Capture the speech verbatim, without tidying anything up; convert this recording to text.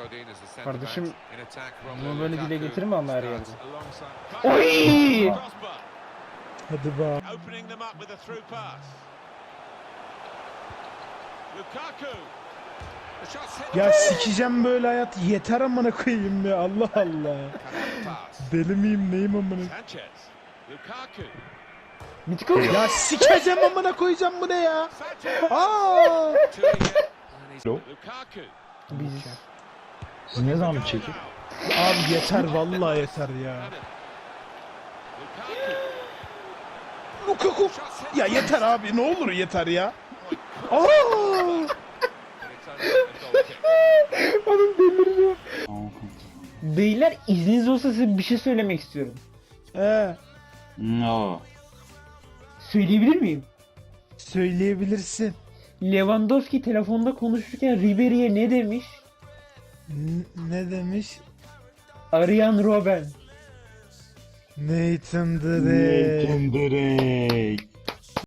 Kardeşim bunu böyle dile getirme ama her yerde. Oy! Hadi be. Ya sikeceğim böyle hayat. Yeter amına koyayım ya. Allah Allah. Deli miyim neyim amına? Mitiko. Ya sikeceğim amına koyacağım bu ne ya? Aa! Biz. Siz ne zaman çekip? Abi yeter vallahi yeter ya. Lukaku. Ya yeter abi ne olur yeter ya. Aa! Oğlum delireceğim. Beyler izniniz olsa size bir şey söylemek istiyorum. Ee, No. Söyleyebilir miyim? söyleyebilirsin. Lewandowski telefonda konuşurken Ribery'e ne demiş? N- ne demiş? Arayan Robben. Nathan Drake. Nathan Drake.